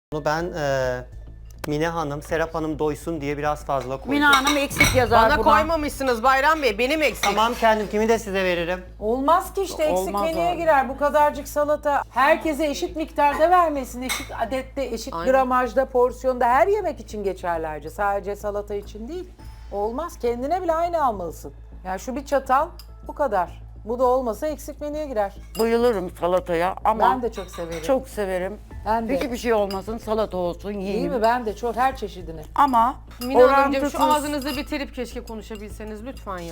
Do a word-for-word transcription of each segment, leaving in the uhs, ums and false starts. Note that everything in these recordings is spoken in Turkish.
Bunu ben e, Mine Hanım, Serap Hanım doysun diye biraz fazla koydum. Mine Hanım eksik yazar Bana buna. koymamışsınız Bayram Bey, benim eksik. Tamam kendimkini de size veririm. Olmaz ki işte eksik Olmaz menüye abi. girer bu kadarcık salata. Herkese eşit miktarda vermesin, eşit adette, eşit Aynen. gramajda, porsiyonda her yemek için geçerlerce. Sadece salata için değil. Olmaz. Kendine bile aynı almalısın. Yani şu bir çatal bu kadar. Bu da olmasa eksik menüye girer. Bayılırım salataya ama Ben de çok severim. çok severim. Ben de. Hiçbir şey olmasın, salata olsun, Değil yiyeyim. mi? Ben de çok her çeşidini. Ama Mine Hanımcığım orantısız. şu ağzınızı bitirip keşke konuşabilseniz lütfen ya.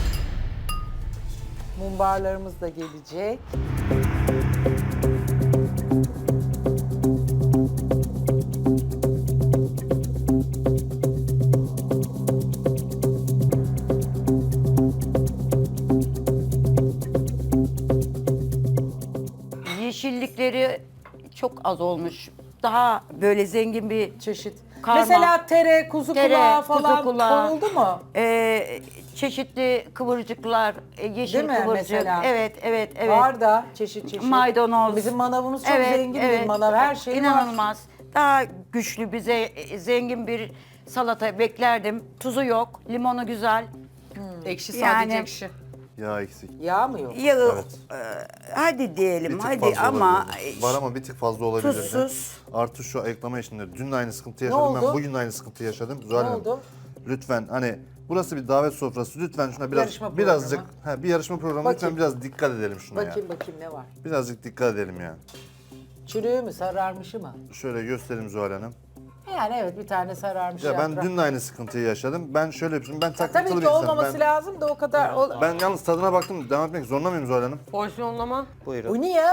Mumbarlarımız da gelecek. Yeşillikleri çok az olmuş. Daha böyle zengin bir Çeşit. Karma. Mesela tere, kuzu Tere, kulağı kuzu falan kulağı. konuldu mu? e, çeşitli kıvırcıklar, e, yeşil Değil mi kıvırcık. mesela? Evet, evet, evet. Var da çeşit çeşit. Maydanoz. Bizim manavımız çok Evet, zengin evet. bir manav. Her şey var. İnanılmaz. Daha güçlü, bize e, zengin bir salata beklerdim. Tuzu yok, limonu güzel. Ekşi sadece Yani- ekşi. Yağ eksik. Yağ mı yok? Yağı, Evet. e, hadi Bir diyelim, tık hadi fazla ama olabilirdi. Var ama bir tık fazla olabilirdi. tuzsuz. Artı şu ayıklama işinde dün de aynı sıkıntı yaşadım. oldu? Ben bugün de aynı sıkıntı yaşadım. Zuhal Ne Hanım, oldu? lütfen hani burası bir davet sofrası. Lütfen şuna biraz Yarışma birazcık programı. he, bir yarışma programı. Bakayım. Lütfen biraz dikkat edelim şuna ya. Bakayım bakayım ne var? Birazcık dikkat edelim ya. Çürüğü mü, sararmışı mı? Şöyle göstereyim Zuhal Hanım. Yani evet bir tane sararmış Ya ben yaprak. dün de aynı sıkıntıyı yaşadım. Ben şöyle yapayım. Ben takıntılı Tabii bir ki insanım. olmaması Ben, lazım da o kadar. O... ben yalnız tadına baktım. Devam etmek zorunda mıyım Zuhal Hanım? Porsiyonlama Buyurun. Bu niye?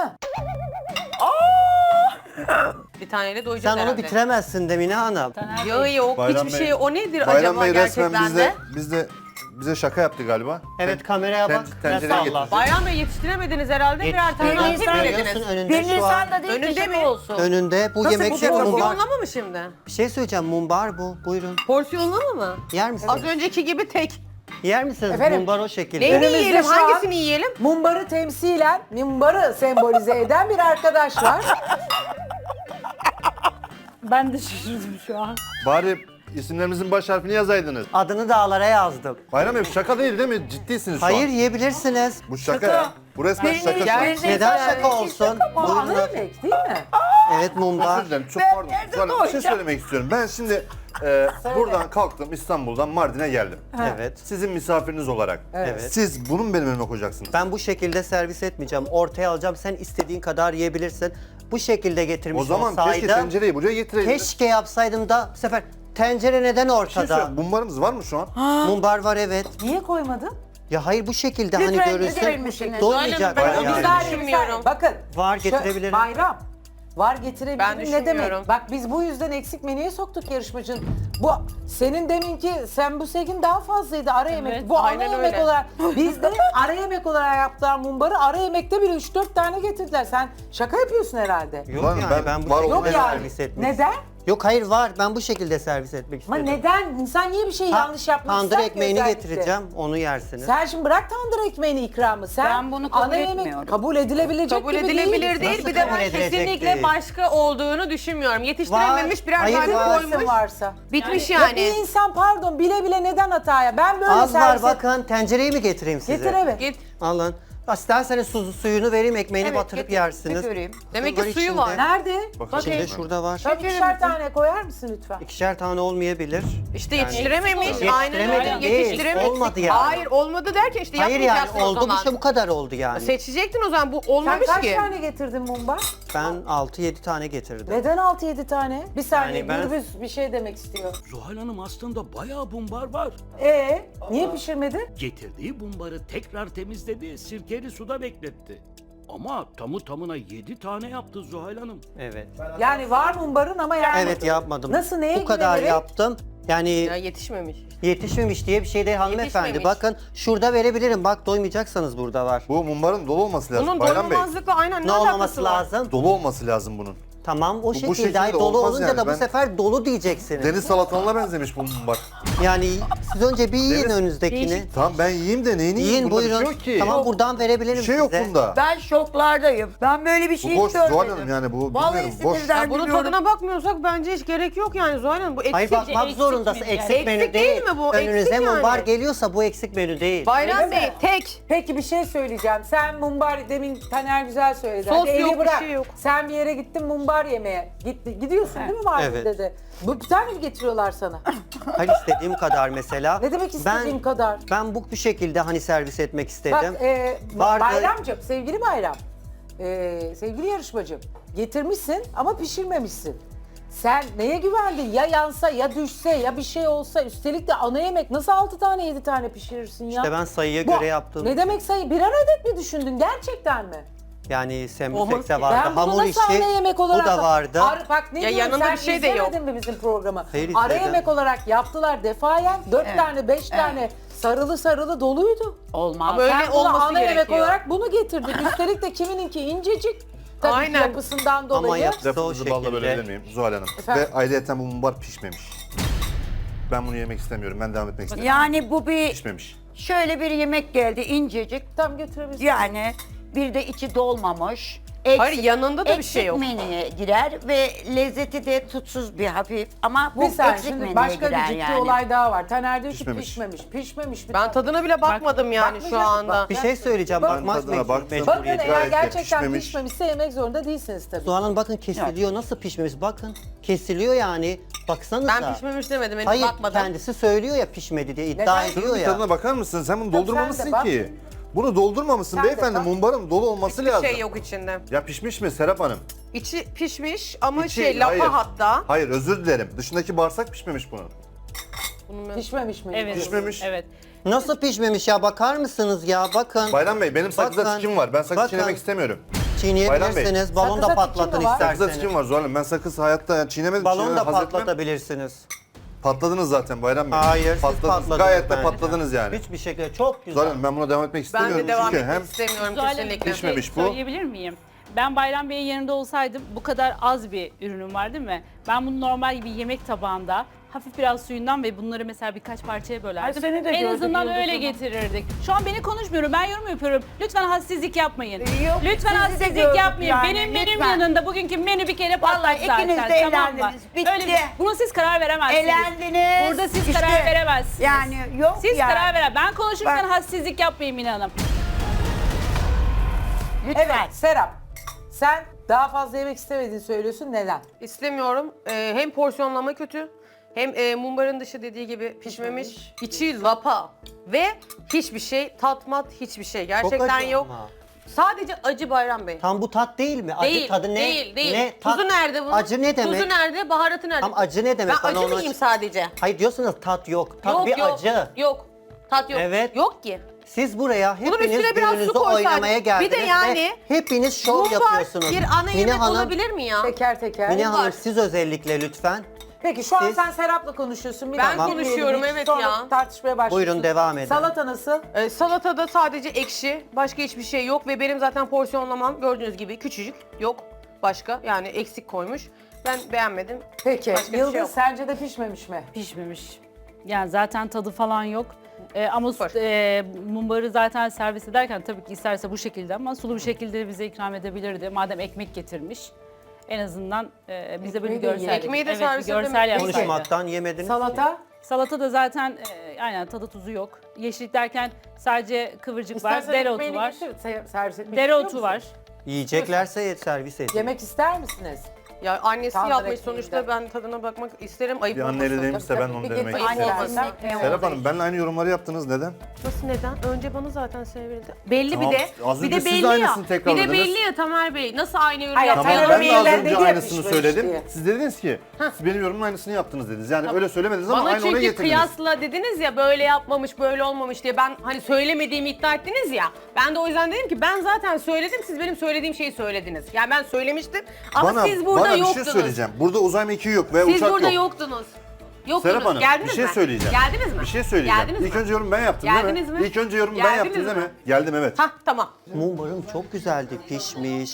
bir taneyle doyacağız Sen onu herhalde. bitiremezsin de Mine Hanım. Yağı yok, Bayram hiçbir Bey- şey. O nedir Bayram acaba Bey resmen gerçekten bizde, de? bizde bize şaka yaptı galiba. Evet Ten- kameraya ten- bak. tencereyi Nasıl getir. Allah? Bayram Bey yetiştiremediniz herhalde. Birer tane daha Yetiştiremez. tek Görüyorsun yediniz. önünde Bir şu an. Nisan'da değil Önünde de mi? şaka olsun. Önünde bu Nasıl yemek bu şey porsiyonlama mumbar. Porsiyonlama mı şimdi? Bir şey söyleyeceğim mumbar bu. Buyurun. Porsiyonlama mı? Yer misiniz? Az önceki gibi tek. Yer misiniz Efendim? mumbar o şekilde? Neyini Önümüzde yiyelim? şu an- Hangisini yiyelim? Mumbarı temsilen, mumbarı sembolize eden bir arkadaş var. Ben de şaşırdım şu an. Bari isimlerimizin baş harfini yazaydınız. Adını dağlara yazdım. Bayram Bey bu şaka değil değil mi? Ciddisiniz şu Hayır an. yiyebilirsiniz. Bu şaka, ya. Bu resmen Peynir- şaka. şu an. Peynir- Neden Neyse, şaka olsun? Bu ana Buyurun. yemek değil mi? Evet mumbar. Özür dilerim çok Ben pardon. nerede Zuhal Hanım, bir şey doyacağım? söylemek istiyorum. Ben şimdi e, buradan kalktım İstanbul'dan Mardin'e geldim. Evet. Sizin misafiriniz olarak. Evet. Siz bunu mu benim önüme koyacaksınız? Ben bu şekilde servis etmeyeceğim. Ortaya alacağım. Sen istediğin kadar yiyebilirsin. Bu şekilde getirmiş O zaman olsaydım. keşke tencereyi buraya getireydiniz. Keşke yapsaydım da bu sefer tencere neden Bir şey ortada? söyleyeyim, mumbarımız var mı şu an? Mumbar var evet. Niye koymadın? Ya hayır bu şekilde Lütfen hani getirir görürsün. misiniz? Doymayacak Aynen, ben yani. o Bir saniye, bir düşünmüyorum. saniye. Bakın. Var, şu- getirebilirim. Bayram. Var getirebilirim Ben ne düşünmüyorum. demek? Bak biz bu yüzden eksik menüye soktuk yarışmacının. Bu senin deminki sen bu segin daha fazlaydı ara yemek. Bu ana aynen yemek öyle. olarak biz de ara yemek olarak yaptılar mumbarı ara yemekte bile üç dört tane getirdiler. Sen şaka yapıyorsun herhalde. Yok Var mı? yani Ben- ben, bu var şekilde Yok olmayan yani. servis etmek Neden? Yok hayır var ben bu şekilde servis etmek Ama istedim. neden? İnsan niye bir şey Ta- yanlış yapmak Tandır ister ki ekmeğini özellikle? getireceğim onu yersiniz. Sen şimdi bırak tandır ekmeğini ikramı. Sen Ben bunu kabul ana yemek etmiyorum. kabul edilebilecek Kabul gibi edilebilir değil. değil. Nasıl Bir de kabul ben edilecek kesinlikle değil? başka olduğunu düşünmüyorum. Yetiştirememiş birer Hayır, tane var. koymuş. varsa. Bitmiş Ya yani. bir insan pardon bile bile neden hataya? Ben böyle Az var servis et- bakın tencereyi mi getireyim size? Getir eve. Git. Alın. İsterseniz su, suyunu vereyim ekmeğini Evet, batırıp getir. yersiniz. Bir göreyim. Demek ki Var suyu içinde. var. Nerede? Bakın İçinde ben- şurada var. Şöyle ikişer tane koyar mısın lütfen? İkişer tane olmayabilir. İşte Yani- yetiştirememiş. Aynen Yetiştiremedim öyle. değil, Yetiştirememiş. olmadı yani. Hayır olmadı derken işte Hayır yani yapmayacaksın o oldu zaman. işte bu kadar oldu yani. Seçecektin o zaman bu Sen olmamış kaç ki. tane getirdin mumbar? Ben altı yedi tane getirdim. Neden altı yedi tane? Bir saniye Yani ben- Gürbüz bir şey demek istiyor. Zuhal Hanım aslında bayağı bumbar var. Ee, niye pişirmedin? Getirdiği bumbarı tekrar temizledi, sirkeli suda bekletti. Ama tamı tamına yedi tane yaptı Zuhal Hanım. Evet. Yani var mumbarın ama yani. Evet yapmadım. Nasıl, neye Bu kadar güvenerek? yaptım. Yani Ya yetişmemiş. yetişmemiş diye bir şey değil hanımefendi. Yetişmemiş. Bakın şurada verebilirim. Bak doymayacaksanız burada var. Bu mumbarın dolu olması lazım Bunun Bayram Bey. doymamazlıkla aynen ne, Ne alakası olmaması var? lazım? Dolu olması lazım bunun. Tamam o bu şekilde. şekilde Ay, dolu olmaz olunca yani. da bu Ben- sefer dolu diyeceksiniz. Deniz salatalığına benzemiş bu mumbar. Yani siz önce bir yiyin Deniz- önünüzdekini. Tamam ben yiyeyim de neyini yiyeyim? Yiyin Bunda bir buyurun. şey yok ki. Tamam buradan verebilirim Bir şey yok size. bunda. Ben şoklardayım. Ben böyle bir şey Bu boş hiç görmedim. Zuhal Hanım yani bu Vallahi bilmiyorum boş. sinirden Ya bunun biliyorum. tadına bakmıyorsak bence hiç gerek yok yani Zuhal Hanım. Bu eksik. Hayır bakmak eksik zorundasın. menü yani. Eksik menü Eksik değil. değil mi bu? Önünüze Eksik yani. mumbar geliyorsa bu eksik menü değil. Bayram Öyle Bey mi? tek. Peki bir şey söyleyeceğim. Sen mumbar demin Taner güzel söyledi. Sos Hadi evi yok, bir bırak. şey yok. Sen bir yere gittin mumbar yemeye. Gitti, gidiyorsun değil mi Mardin'de Evet. de? Bu bir tane mi getiriyorlar sana? Hayır istediğim kadar mesela. Ne demek istediğim kadar? Ben bu, bu şekilde hani servis etmek istedim. Bak e, Vardı- Bayramcığım, sevgili Bayram, e, sevgili yarışmacım, getirmişsin ama pişirmemişsin. Sen neye güvendin? Ya yansa, ya düşse, ya bir şey olsa, üstelik de ana yemek nasıl altı tane yedi tane pişirirsin ya? İşte ben sayıya Bu- göre yaptım. Ne demek sayı? Birer adet mi düşündün gerçekten mi? Yani Olmaz sembüsek de ki. vardı. Ben bunu Hamur nasıl işi ana yemek olarak... bu da vardı. Ar- bak ne Ya diyorum, yanında sen bir şey de yok. izlemedin mi bizim programı? Hayır, Ara izledim. yemek olarak yaptılar defayen. Dört tane, beş tane sarılı sarılı doluydu. Olmaz. Ama öyle Sen buna olması ana yemek gerekiyor. olarak bunu getirdin. Üstelik de kimininki incecik. Tabii ki Aynen. yapısından dolayı. Ama yaptı o Lafınızı balla şekilde. bölebilir miyim Zuhal Hanım? Efendim? Ve ayrıyeten bu mumbar pişmemiş. Ben bunu yemek istemiyorum. Ben devam etmek istemiyorum. Yani bu bir Pişmemiş. şöyle bir yemek geldi incecik. Tam götürebilirsin. Yani bir de içi dolmamış. Eksik, Hayır, yanında da bir eksik şey yok. menüye girer ve lezzeti de tutsuz bir hafif ama bu Bir saniye, eksik şimdi menüye başka bir girer ciddi yani. olay daha var. Taner diyor ki Pişmemiş. pişmemiş. Pişmemiş. Bir Ben tane. tadına bile bakmadım yani şu bakmayacak- anda. bak- Bir şey söyleyeceğim. Ben Bakmak tadına mecbur- baktım. Bakın mecburiyeti. eğer Gayet de gerçekten pişmemiş. pişmemişse yemek zorunda değilsiniz tabii. Doğan'ın bakın kesiliyor. Nasıl pişmemiş? Bakın. Kesiliyor yani. Baksanıza. Ben pişmemiş demedim, henüz Hayır bakmadım. kendisi söylüyor ya pişmedi diye iddia Neden? ediyor Şunun bir ya. tadına bakar mısın? Sen bunu Tabii sen de doldurmamışsın bak. ki. Bunu doldurmamışsın Sen de beyefendi. bak. Mumbarın dolu olması Hiçbir lazım. şey yok içinde. Ya pişmiş mi Serap Hanım? İçi pişmiş ama İçi- şey lapa hayır. hatta. Hayır özür dilerim. Dışındaki bağırsak pişmemiş bunun. Bunun ben- Pişmemiş mi? Evet. Pişmemiş. Evet. Nasıl pişmemiş ya? Bakar mısınız ya? Bakın. Bayram Bey benim sakızda Bakın, tikim var. Ben sakız bakın. çiğnemek istemiyorum. Çiğneyebilirsiniz. Balon Sakıza da tikim patlatın mi var? Sakızda isterseniz. tikim var Zuhal Hanım. Ben sakız hayatta yani çiğnemedim. Balon çiğnemem, da haz etmem. patlatabilirsiniz. Patladınız zaten Bayram Bey. Hayır, siz patladınız. patladınız Gayet de bence. patladınız yani. Hiçbir şekilde çok güzel. Zuhal Hanım ben buna devam etmek Ben istemiyorum. de devam Çünkü etmek hem istemiyorum Zuhal Hanım, kesinlikle. bir şey Pişmemiş bu. Söyleyebilir miyim? Ben Bayram Bey'in yanında olsaydım bu kadar az bir ürünüm var değil mi? Ben bunu normal bir yemek tabağında hafif biraz suyundan ve bunları mesela birkaç parçaya bölerdim. Ay, seni de en gördük azından Yıldız öyle Hanım. getirirdik. Şu an beni konuşmuyorum. Ben yorum yapıyorum. Lütfen hassizlik yapmayın. Yok, Lütfen sizi de hassizlik gördük yapmayın. yani, benim benim lütfen. yanında bugünkü menü bir kere patladı Vallahi zaten. ikiniz de tamam mı? elendiniz, bitti. Öyle, bunu siz karar veremezsiniz. Elendiniz. Burada siz İşte, karar veremezsiniz. Yani yok Siz yani. karar veren. Ben konuşurken Ben- hassizlik yapmayın Mine Hanım. Lütfen. Evet Serap. Sen daha fazla yemek istemediğini söylüyorsun. Neden? İstemiyorum. Ee, hem porsiyonlama kötü, hem e, mumbarın dışı dediği gibi pişmemiş. İçi lapa ve hiçbir şey, tatmat hiçbir şey. Çok Gerçekten acı yok. ama. Sadece acı Bayram Bey. Tam bu tat değil mi? Acı Değil, tadı ne? değil, değil. Ne? Tat- Tuzu nerede bunun? Acı ne demek? Tuzu nerede, baharatı nerede? Tam acı ne demek? Ben Bana acı onu mı aç- yiyeyim sadece? Hayır diyorsunuz tat yok. Tat yok, bir yok, acı. Yok, tat yok. Evet. Yok ki. Siz buraya Bunun hepiniz üstüne biraz su gününüzü koysaydın. oynamaya Bir geldiniz de yani ve hepiniz şov Mumbar yapıyorsunuz. bir ana Mine yemek Hanım, olabilir mi ya? Teker teker. Mine Mumbar. Hanım siz özellikle lütfen. Peki şu an Siz- sen Serap'la konuşuyorsun. Bir Ben dakika, konuşuyorum, dinleyelim. evet Sonra ya. tartışmaya başlıyorsun. Buyurun, devam edin. Salata nasıl? Ee, salatada sadece ekşi, başka hiçbir şey yok ve benim zaten porsiyonlamam gördüğünüz gibi küçücük, yok başka yani eksik koymuş. Ben beğenmedim. Peki Başka bir şey Yıldız yok. sence de pişmemiş mi? Pişmemiş. Yani zaten tadı falan yok. Ee, ama Var. e, mumbarı zaten servis ederken tabii ki isterse bu şekilde ama sulu bir şekilde bize ikram edebilirdi. Madem ekmek getirmiş. En azından e, bize böyle bir Ekmeği de görsel, ye. Ekmeği de evet, bir servis görsel edemedik. yapsaydı. Konuşmaktan yemediniz. Salata? Salata da zaten e, aynen tadı tuzu yok. Yeşillik derken sadece kıvırcık var, İstersen dereotu ekmeğini var. getir, se- servis etmek istiyor Dereotu musun? var. Yiyeceklerse servis edin. Yemek ister misiniz? Ya annesi Tandır yapmış ekmeğinden. sonuçta ben tadına bakmak isterim. Ayıp Bir anne olmasın. eli değmişse Tabii, ben tabii, onu bir denemek getir. istiyorum. Ayıp İstersen. olmasın. Evet. Serap Hanım benimle aynı yorumları yaptınız. Neden? Nasıl neden? Önce bana zaten söylendi. Belli Tamam, bir de. az Bir önce de siz belli de ya. aynısını Bir tekrarladınız. de belli ya Tamer Bey. Nasıl aynı yorum Hayır, yaptınız? Tamam Taner ben Bey'ler de az dedi önce ya aynısını pişmemiş söyledim. diye. Siz dediniz ki siz benim yorumun aynısını yaptınız dediniz. Yani öyle söylemediniz ama Bana aynı ona çünkü getirdiniz. kıyasla dediniz ya böyle yapmamış böyle olmamış diye ben hani söylemediğimi iddia ettiniz ya. Ben de o yüzden dedim ki ben zaten söyledim siz benim söylediğim şeyi söylediniz. Yani ben söylemiştim ama Bana, siz burada bana bir yoktunuz. şey söyleyeceğim. Burada uzay mekiği yok ve Siz uçak burada yok. yoktunuz. Yoktunuz. Serap Hanım Geldiniz bir şey mi? söyleyeceğim. Geldiniz mi? Bir şey söyleyeceğim. Geldiniz İlk mi? önce yorum ben yaptım değil Geldiniz mi? mi? İlk önce yorum ben Geldiniz yaptım değil mi? mi? Geldim evet. Hah tamam. Mumbarım çok güzeldi, pişmiş.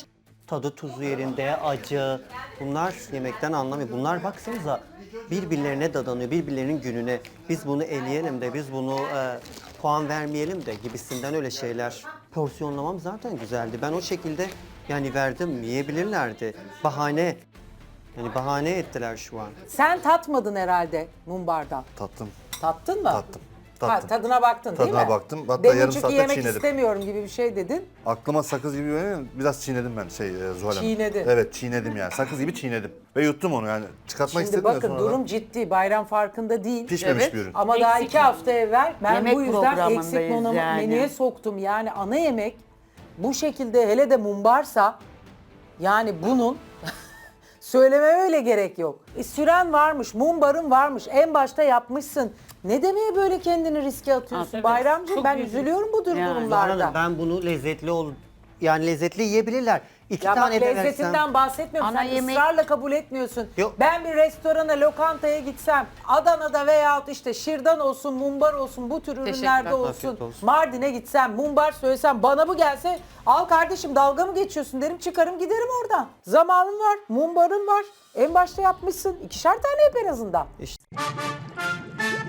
tadı tuzu yerinde, acı. Bunlar yemekten anlamıyor. Bunlar baksanıza birbirlerine dadanıyor, birbirlerinin gününe. Biz bunu eleyelim de, biz bunu e, puan vermeyelim de gibisinden öyle şeyler. Porsiyonlamam zaten güzeldi. Ben o şekilde yani verdim, yiyebilirlerdi. Bahane, yani bahane ettiler şu an. Sen tatmadın herhalde mumbardan. Tattım. Tattın mı? Tattım, Ha, tattım. tadına baktın değil mi? Tadına baktım. Hatta Demin yarım çünkü saatte yemek çiğnedim. istemiyorum gibi bir şey dedin. Aklıma sakız gibi geliyor, biraz çiğnedim ben şey e, Zuhal Hanım. Çiğnedin. Evet çiğnedim yani. Sakız gibi çiğnedim. Ve yuttum onu yani. Çıkartmak Şimdi istedim ya bakın sonradan. durum ciddi. Bayram farkında değil. Pişmemiş Evet. bir ürün. Ama daha iki hafta evvel ben Yemek bu yüzden programındayız eksik menü- yani. menüye soktum. Yani ana yemek bu şekilde hele de mumbarsa yani bunun söylememe öyle gerek yok. E, süren varmış, mumbarın varmış, en başta yapmışsın. Ne demeye böyle kendini riske atıyorsun Evet, Bayramcığım? çok Ben büyük. üzülüyorum bu tür Yani. Zuhal durumlarda. Hanım, ben bunu lezzetli ol yani lezzetli yiyebilirler. İki Ya bak tane de lezzetinden versem. bahsetmiyorum. Ana Sen yemek- ısrarla kabul etmiyorsun. Yok. Ben bir restorana, lokantaya gitsem, Adana'da veyahut işte şırdan olsun, mumbar olsun, bu tür ürünlerde Teşekkürler. olsun, Afiyet olsun. Mardin'e gitsem, mumbar söylesem, bana bu gelse, al kardeşim dalga mı geçiyorsun derim, çıkarım giderim oradan. Zamanın var, mumbarın var. En başta yapmışsın. İkişer tane yap en azından. İşte.